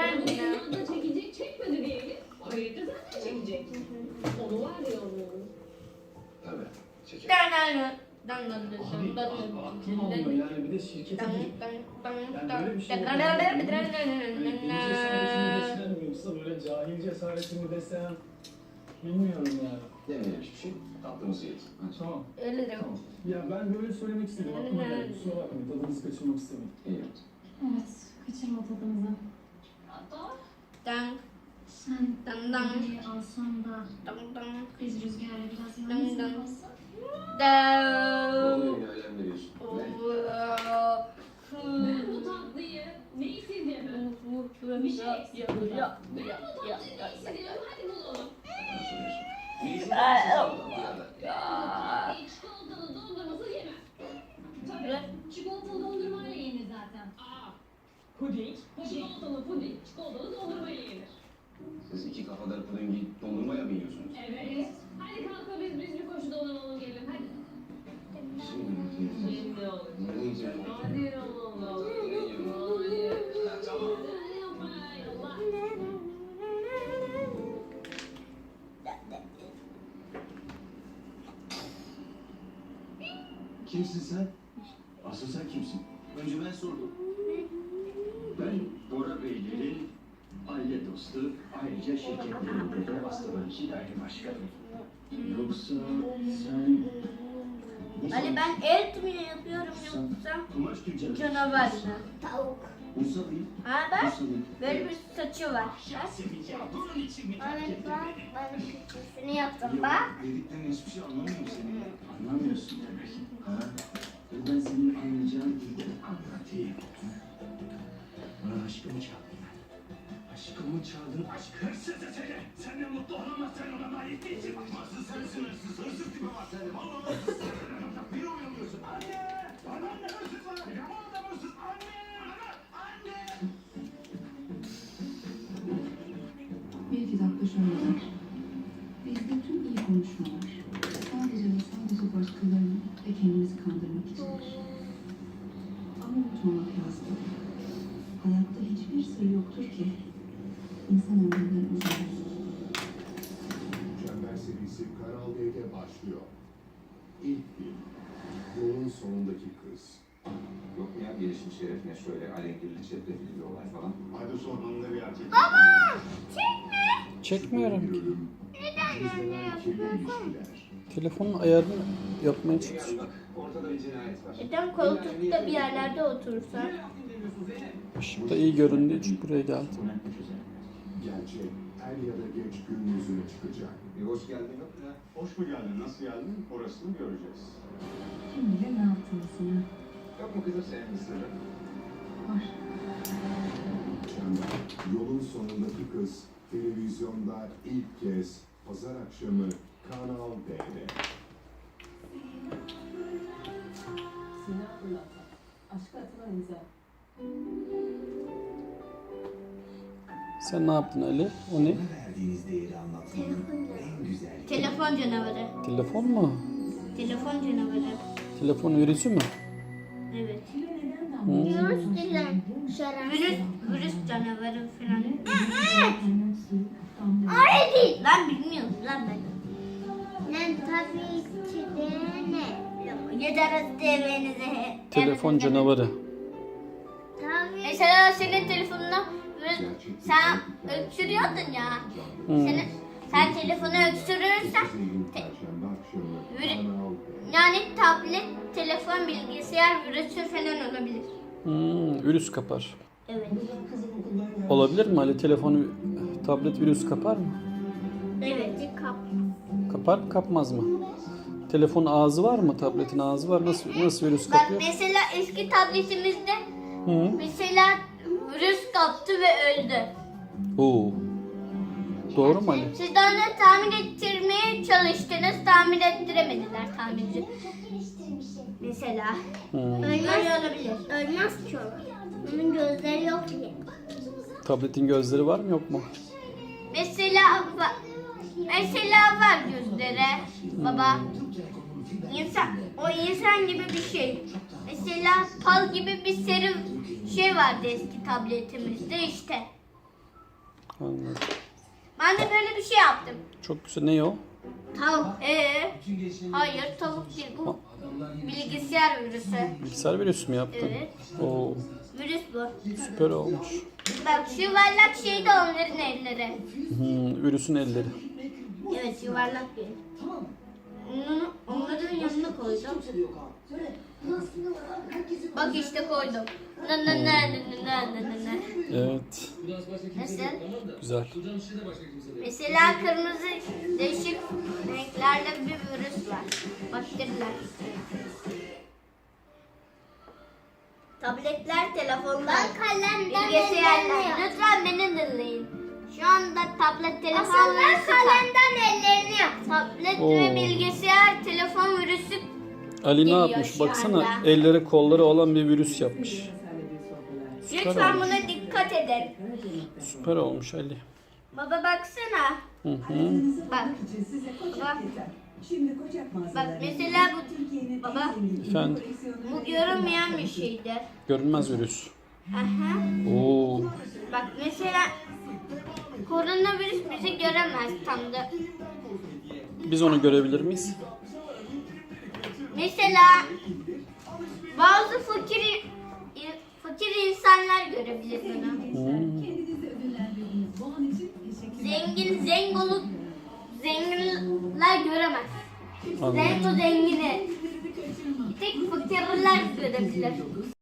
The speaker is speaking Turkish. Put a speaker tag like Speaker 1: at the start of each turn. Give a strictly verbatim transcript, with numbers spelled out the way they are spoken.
Speaker 1: da çekecek, çekmedi diyelim. Hayırdır zaten çekecek. Onu var ya onu.
Speaker 2: Tabii. Çekecek.
Speaker 3: Dan dan dan
Speaker 4: Abi,
Speaker 3: dan
Speaker 4: aklım almıyor yani bir de şirkete girip yani böyle bir şey yok. İngiliz cesaretini desem yoksa böyle cahil cesaretini desem bilmiyorum ya.
Speaker 2: Demeyelim hiçbir şey. Tatlımızı yedik.
Speaker 4: Tamam.
Speaker 3: Öyle de.
Speaker 4: Tamam. Ya ben böyle söylemek istedim. Aklıma geldi. Kusura bakmayın. Tadınızı kaçırmak istedim.
Speaker 2: İyi yaptın.
Speaker 5: Evet, kaçırma tadımızı.
Speaker 3: Dan
Speaker 5: Sen
Speaker 3: dan dan
Speaker 5: burayı alsan da
Speaker 3: dan dan
Speaker 5: biz Rüzgar'la biraz
Speaker 3: Dan,
Speaker 5: yalnız
Speaker 3: dan.
Speaker 5: mı kalsak?
Speaker 2: Ne
Speaker 3: dan.
Speaker 2: oluyor ya? Alem veriyorsun. Ne?
Speaker 1: Ben bu tatlıyı ne istediğimi. Bir şey istiyorum. Ben bu tatlıyı istediğimi hadi bulalım.
Speaker 2: Bana soruyorsun. İyisin.
Speaker 3: Ay,
Speaker 2: Ya.
Speaker 1: Çikolatalı dondurması yemem. Tabii. Çikolatalı dondurmayla yenir zaten. Aa. Puding. Çikolatalı puding. Çikolatalı dondurmayla yenir.
Speaker 2: Siz iki kafadarı pudingi dondurmaya mı yiyorsunuz?
Speaker 1: Evet. Hadi kalk biz biz bir koşu dolanalım gelin hadi.
Speaker 2: Şimdi
Speaker 1: Şimdi olur.
Speaker 2: ne yiyeceğim?
Speaker 1: Hadi Allah.
Speaker 2: Ne yiyeceğim? Tamam. Kimsin sen? Asıl sen kimsin? Önce ben sordum.
Speaker 6: Ben Bora Beylerin aile dostu, ayrıca şirketlerinde de astroloji daire başkanı.
Speaker 4: Yoksa sen...
Speaker 3: Ali ben et mi yapıyorum yoksa
Speaker 6: Kumaş tüccarı.
Speaker 3: canavar mı? Tavuk.
Speaker 6: Musa Bey,
Speaker 3: Ha bak
Speaker 6: Musa Bey.
Speaker 3: böyle bir saçı var.
Speaker 6: Yasemin ya bunun için mi terk
Speaker 7: Evet
Speaker 6: ettin
Speaker 7: bak,
Speaker 6: beni?
Speaker 7: ben küçüsünü yaptım
Speaker 2: Ya
Speaker 7: bak.
Speaker 2: dediklerin hiçbir şey anlamıyorum senin.
Speaker 6: Anlamıyorsun demek.
Speaker 2: Ha?
Speaker 6: Dur ben senin anlayacağın dilden anlatayım. Bana aşkımı çaldın. Aşkımı çaldın, aşk hırsızı seni. Senden mutlu olamazsan ona layık değilsin. Asıl sensin hırsız, hırsız tipi var sende. Vallahi hırsız. Bir oynuyorsun. Anne! Bana anne hırsız var. Ya bu adam hırsız. Anne! Anne!
Speaker 8: Bir iki dakika şöyle der. Bizde tüm iyi konuşmalar sadece ve sadece başkalarını ve kendimizi kandırmak içindir. Ama unutmamak lazım. Hayatta hiçbir sır yoktur ki insan ömründen uzun olsun.
Speaker 9: Çember serisi Kanal D'de başlıyor. İlk film, Yolun Sonundaki Kız.
Speaker 2: Yok mu ya gelişim şerefine şöyle alengirli çetrefilli bir olay falan.
Speaker 9: Hadi sonunda bir erkek.
Speaker 10: Çekmiyorum
Speaker 9: Bir
Speaker 10: ki.
Speaker 9: ölüm, gizlenen kirli ilişkiler.
Speaker 10: Telefonun ayarını yapmaya çalışıyorum.
Speaker 2: Yani bak ortada bir cinayet var.
Speaker 3: Neden koltukta bir yerlerde otursan?
Speaker 10: Işıkta iyi göründüğü için buraya geldim.
Speaker 9: Gerçek er ya da geç gün yüzüne çıkacak.
Speaker 2: Bir hoş geldin yok mu ya?
Speaker 9: Hoş mu geldin, nasıl geldin? Orasını göreceğiz.
Speaker 8: Kim bilir ne yaptığını sana.
Speaker 2: Yok mu kızım senin bir sırrın?
Speaker 8: Var.
Speaker 9: Çember, Yolun Sonundaki Kız televizyonda ilk kez pazar akşamı Kanal D'de.
Speaker 5: Sinan Fırlatan. Aşka atılan imza.
Speaker 10: Sen ne yaptın Ali? O ne?
Speaker 6: verdiğiniz değeri anlatmanın en güzel
Speaker 3: Telefon canavarı.
Speaker 10: Telefon mu?
Speaker 3: Telefon canavarı.
Speaker 10: Telefon virüsü mü?
Speaker 3: Evet.
Speaker 10: Hmm.
Speaker 7: Virüs değil, şarap.
Speaker 3: Virüs, virüs canavarı falan.
Speaker 7: Öyle değil.
Speaker 3: Lan bilmiyorum lan ben.
Speaker 7: Ne tabii ki de ne?
Speaker 3: Yeter devenize.
Speaker 10: Telefon canavarı.
Speaker 7: Tabii.
Speaker 3: Mesela senin telefonuna virüs, sen öksürüyordun ya.
Speaker 10: Hmm.
Speaker 3: Senin, sen telefonu öksürürsen
Speaker 9: Perşembe akşamı
Speaker 3: Virüs-
Speaker 9: Kanal D.
Speaker 3: yani tablet, telefon, bilgisayar virüsü falan olabilir.
Speaker 10: Hmm, virüs kapar.
Speaker 3: Evet.
Speaker 10: Olabilir mi Ali? Telefonu, tablet virüs kapar mı?
Speaker 3: Evet.
Speaker 7: Kap.
Speaker 10: Kapar mı kapmaz mı? Telefonun ağzı var mı? Tabletin ağzı var. Nasıl nasıl virüs
Speaker 3: Bak
Speaker 10: kapıyor?
Speaker 3: mesela eski tabletimizde
Speaker 10: Hı.
Speaker 3: mesela virüs kaptı ve öldü.
Speaker 10: Oo. Doğru mu Ali?
Speaker 3: Siz de onu tamir ettirmeye çalıştınız, tamir ettiremediler tamirci. Mesela.
Speaker 10: Hmm.
Speaker 3: Öyle olabilir.
Speaker 7: Ölmez ki o. Onun gözleri yok ki.
Speaker 10: Tabletin gözleri var mı yok mu?
Speaker 3: Mesela va- mesela var gözleri baba. İnsan, o insan gibi bir şey. Mesela pal gibi bir seri şey vardı eski tabletimizde işte.
Speaker 10: Anladım.
Speaker 3: Ben de böyle bir şey yaptım.
Speaker 10: Çok güzel. Ne o?
Speaker 3: Tavuk. Ee, hayır tavuk değil bu. Bilgisayar virüsü.
Speaker 10: Bilgisayar virüsü mü yaptın?
Speaker 3: Evet.
Speaker 10: Oo,
Speaker 3: Virüs bu.
Speaker 10: süper olmuş.
Speaker 3: Bak şu yuvarlak şey de onların elleri.
Speaker 10: Hmm, virüsün elleri.
Speaker 3: Evet yuvarlak bir. Onu onların yanına koydum. Bak işte koydum. Na na na na na na na na.
Speaker 10: Evet.
Speaker 3: Nasıl?
Speaker 10: Güzel.
Speaker 3: Mesela kırmızı değişik renklerde bir virüs var. Bakteriler. Tabletler, telefonlar,
Speaker 7: Ben kalemden
Speaker 3: bilgisayarlar.
Speaker 7: ellerini
Speaker 3: Lütfen beni dinleyin. Şu anda tablet, telefon
Speaker 7: Hasan ben
Speaker 3: virüsü var.
Speaker 7: kalemden ellerini yap.
Speaker 3: Tablet
Speaker 10: Oo.
Speaker 3: ve bilgisayar, telefon virüsü.
Speaker 10: Ali ne
Speaker 3: Geliyor
Speaker 10: yapmış?
Speaker 3: şu
Speaker 10: Baksana
Speaker 3: anda.
Speaker 10: elleri kolları olan bir virüs yapmış. Süper
Speaker 3: Lütfen
Speaker 10: olmuş.
Speaker 3: buna dikkat edin.
Speaker 10: Süper olmuş Ali.
Speaker 3: Baba baksana.
Speaker 10: Hı hı.
Speaker 3: Bak. Baba. Bak mesela bu baba
Speaker 10: Efendim,
Speaker 3: bu görünmeyen bir şeydir.
Speaker 10: görünmez virüs.
Speaker 3: Aha.
Speaker 10: Oo,
Speaker 3: Bak mesela koronavirüs bizi göremez tam da.
Speaker 10: biz onu görebilir miyiz?
Speaker 3: Mesela bazı fakir fakir insanlar görebilir bunu.
Speaker 10: Hmm.
Speaker 8: Kendinizi ödüllendirdiniz. Bu an için teşekkürler.
Speaker 3: Zengin zengolu zenginler göremez.
Speaker 10: Anladım.
Speaker 3: Zengo zengini. Bir tek fakirler görebilir.